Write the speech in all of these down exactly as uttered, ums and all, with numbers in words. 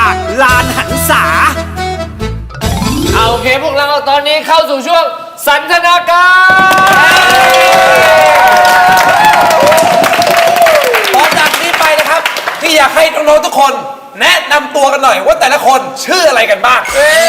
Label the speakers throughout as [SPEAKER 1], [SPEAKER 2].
[SPEAKER 1] จากลานหันษา
[SPEAKER 2] เอาโอเคพวกเราตอนนี้เข้าสู่ช่วงสันทนาการ
[SPEAKER 3] ตอนจากนี้ไปนะครับที่อยากให้น้องๆทุกคนแนะนำตัวกันหน่อยว่าแต่ละคนชื่ออะไรกันบ้าง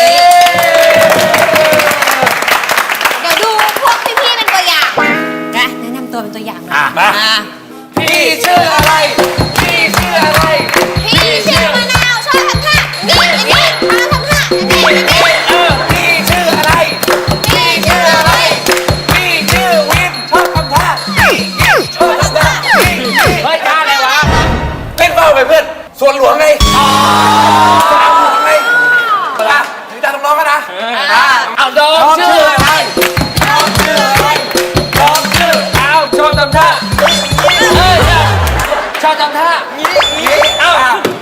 [SPEAKER 4] เดี๋ยวดูพวกพี่ๆเป็นตัวอย่างนะแนะนำตัวเป็นตัวอย่างหน่อย
[SPEAKER 3] มาพี่ชื่ออะไรพี่ชื่ออะไร
[SPEAKER 4] พี่ชื่อมะนาวชอบทำท่านี่อย่างนี้ชอบทำท่านี่อย่างนี้
[SPEAKER 3] เออพี่ชื่ออะไร
[SPEAKER 4] พี่ชื่ออะไร
[SPEAKER 3] พี่ชื่อวินชอบทำท่าชอบทำท่า
[SPEAKER 2] เฮ้ยท่าอะไรวะ
[SPEAKER 3] เล่นเบ้าไปเพื่อนส่วนหลวงไงสนามหลวงไงอ่ะถึงตาน้องๆกันนะอ่ะ
[SPEAKER 2] เอาดอมชื่ออะไร
[SPEAKER 3] น้องชื่ออะไรน้องชื่อ
[SPEAKER 2] เอาชอบทำท่าเฮ้ยชอบทำท่า
[SPEAKER 3] งี้งี้เอ้า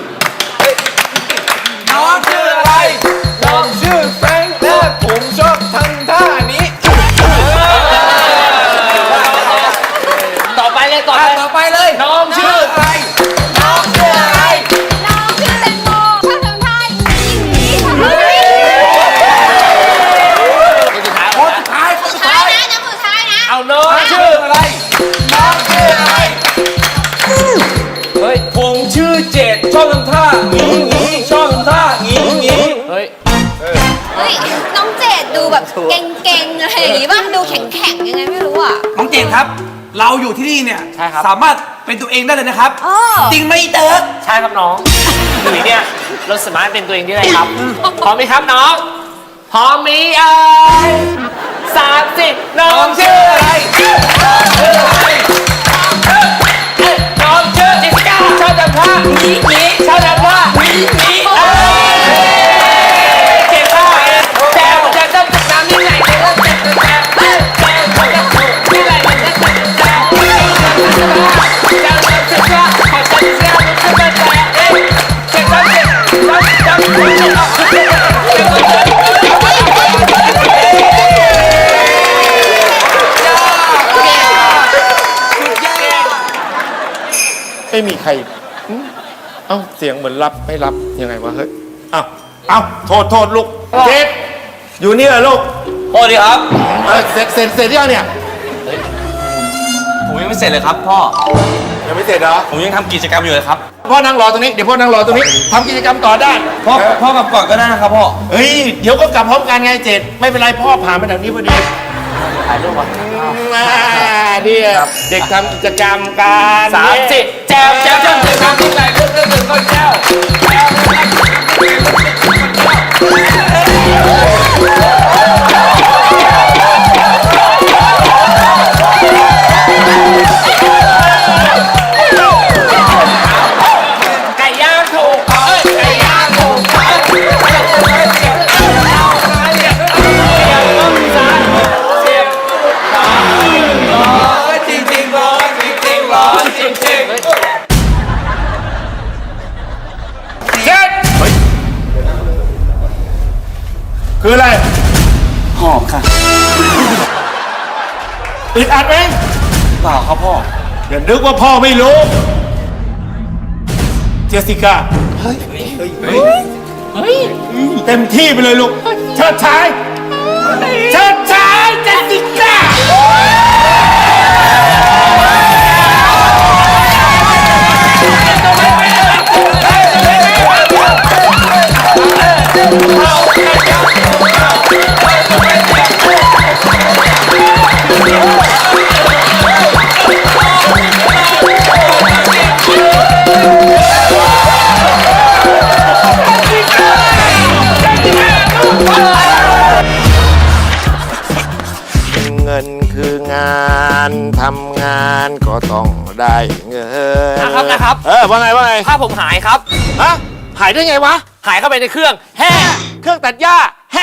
[SPEAKER 3] น้องชื่ออะไรน้องชื่อแฟรงค์และผมชอบทำท่านี้
[SPEAKER 2] ต่อไปเลยต่อ
[SPEAKER 3] อ่ะ
[SPEAKER 2] ไป
[SPEAKER 3] ต่อไปเลยน้องชื่ออะไรน้องชื่ออะไร
[SPEAKER 4] น้องชื่อแตงโมชอบทำท่าอย่างนี้อย่างนี้
[SPEAKER 3] คนสุดท้ายคนสุด
[SPEAKER 4] ท้า
[SPEAKER 3] ท้าย ย
[SPEAKER 4] นะน้องสุดท้ายนะ
[SPEAKER 2] เอาน้อง
[SPEAKER 3] น้อง
[SPEAKER 2] ชื่
[SPEAKER 3] ชื่
[SPEAKER 2] อ
[SPEAKER 3] ออะไรน้องชื่ออะไร
[SPEAKER 2] เฮ้ย
[SPEAKER 3] ผมชื่อเจดชอบทำท่างี้งี้ชอบทำท่างี้งี้
[SPEAKER 2] เฮ้ย
[SPEAKER 4] เฮ้ยน้องเจดดูแบบเก่งๆอะไรอย่างงี้ป่ะดูแข็งๆยังไงไม่รู้อ่ะ
[SPEAKER 3] น้องเจดครับ เราอยู่ที่นี่เนี่ย
[SPEAKER 2] ใช่ครับ
[SPEAKER 3] สามารถเป็นตัวเองได้เลยนะครับ
[SPEAKER 4] เออ
[SPEAKER 3] จริงไหมเติร์ก
[SPEAKER 2] ใช่ครับน้องหนุ่ยเนี่ยเราสามารถเป็นตัวเองได้เลยครับพร้อมไหมครับน้องพร้อมมีเอ้ยสามสิบน้องชื่ออะไรเอ้ยน้องชื่อจิสก้าชอบทำท่านี้นี้ชอบทำท่านี้นี้เอ้ยเก่งมากแจวจะต้องติดตามที่ไหนเนี่ยก็เจ็บแจวแจวแจวจะถูกที่ไหนเนี่ยก็เจ็บแจวแจวจะถูกว่าขอฉันเสียมันขึ้นมาแจวเอ้ยเจ็บต้องเจ็บต้องต้อง
[SPEAKER 5] ไม่มีใครอืมเอ้าเสียงเหมือนรับไม่รับยังไงวะเฮ้ยเอ้าเอ้าโทษโทษลูกเจ็ดอยู่นี่เหรอลูก
[SPEAKER 6] พ่อดีครับ
[SPEAKER 5] เออเสร็จเสร็จเสร็จยังเนี่ย
[SPEAKER 6] ผมยังไม่เสร็จเลยครับพ่อ
[SPEAKER 5] ยังไม่เสร็จเหรอ
[SPEAKER 6] ผมยังทำกิจกรรมอยู่เลยครับ
[SPEAKER 5] พ่อนั่งรอตรงนี้เดี๋ยวพ่อนั่งรอตรงนี้ทำกิจกรรมต่อได้
[SPEAKER 6] พ่อ
[SPEAKER 5] เออ
[SPEAKER 6] พ่อกลับก่อนก็ได้นะครับพ่อ
[SPEAKER 5] เฮ้ยเดี๋ยวก็กลับพร้อมกันไงเจ็ดไม่เป็นไรพ่อผ่านไปแถวนี้พอดี
[SPEAKER 2] ถ่ายรูปวะ
[SPEAKER 5] อ่าเนี่ยเด็กทำกิจกรรมกัน
[SPEAKER 2] สามสิบแจวแจวแจวแจวที่ไหนลูกเรื่องหนึ่งคนแจวแจว ไก่ย่างถูกเอ้ยไก่ย่างถูกเอ้ยเสียบเสียบเสียบเสียบซ้ายเสียบขวา
[SPEAKER 3] จริงจริงร้อนจริงจริงร้อนจริงจริง
[SPEAKER 5] เจ็ดคืออะไร
[SPEAKER 6] หอบค่ะ
[SPEAKER 5] อึดอัดไหม
[SPEAKER 6] เปล่าครับพ่อ
[SPEAKER 5] อย่านึกว่าพ่อไม่รู้ เจสสิก้า เฮ้ย เฮ้ย เต็มที่ไปเลยลูก เชิดชาย เชิดชายเจสสิก้า เงินคืองานทำงานก็ต้องได้เงิน
[SPEAKER 2] นะครับนะครับ
[SPEAKER 5] เออว่าไงว่าไง
[SPEAKER 2] ถ้าผมหายครับ
[SPEAKER 5] ฮะหายได้ไงวะ
[SPEAKER 2] หายเข้าไปในเครื่องแฮ่
[SPEAKER 5] เครื่องตัดหญ้าแฮ่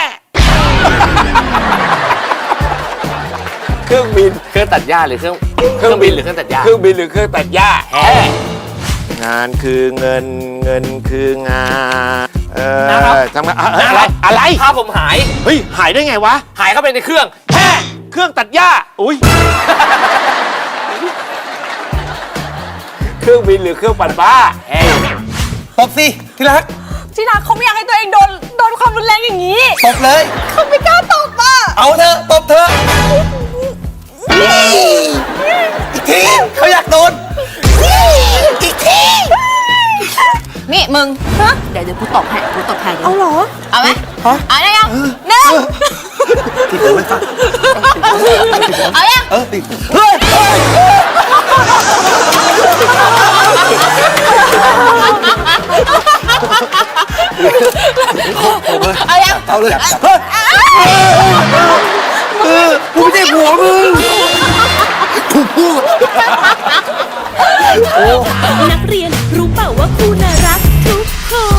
[SPEAKER 5] เครื่องบิน
[SPEAKER 2] เครื่องตัดหญ้าหรือเครื่องเครื่องบินหรือเครื่องตัดหญ้า
[SPEAKER 5] เครื่องบินหรือเครื่องตัดหญ้าแฮ่งานคือเงินเงินคืองานเออ
[SPEAKER 2] นะครับ
[SPEAKER 5] ทำงานอะอะไรอะไร
[SPEAKER 2] ถ้าผมหาย
[SPEAKER 5] เฮ้ยหายได้ไงวะ
[SPEAKER 2] หายเข้าไปในเครื่องแฮ่
[SPEAKER 5] เครื่องตัดหญ้าอุ้ย เครื่องบินหรือเครื่องปั่นบ้าแฮ่
[SPEAKER 3] ตบสิที่รัก
[SPEAKER 1] ที่รักเขาไม่อยากให้ตัวเองโดนโดนความรุนแรงอย่างนี้
[SPEAKER 3] ตบเลย
[SPEAKER 1] เขาไม่กล้าตบอ่ะ
[SPEAKER 3] เอาเถอะตบเถอะอีกทีเขาอยากโดนอีกที
[SPEAKER 4] นี่มึงเดี๋ยวเดี๋ยวกูตบให้กูตบให้
[SPEAKER 1] เอาเหรอ
[SPEAKER 4] เอาไหมเอาได้ยังหนึ่ง
[SPEAKER 3] ติดเลยไม่ฟัง
[SPEAKER 4] เอายัง
[SPEAKER 3] เออติดเฮ้ยเฮ้ย
[SPEAKER 4] เอายัง
[SPEAKER 3] เอาเลยเฮ้ยเออกูไม่ใช่ผัวมึงกูพูด
[SPEAKER 7] นักเรียนรู้เปล่าว่าครูน่ารักทุกคน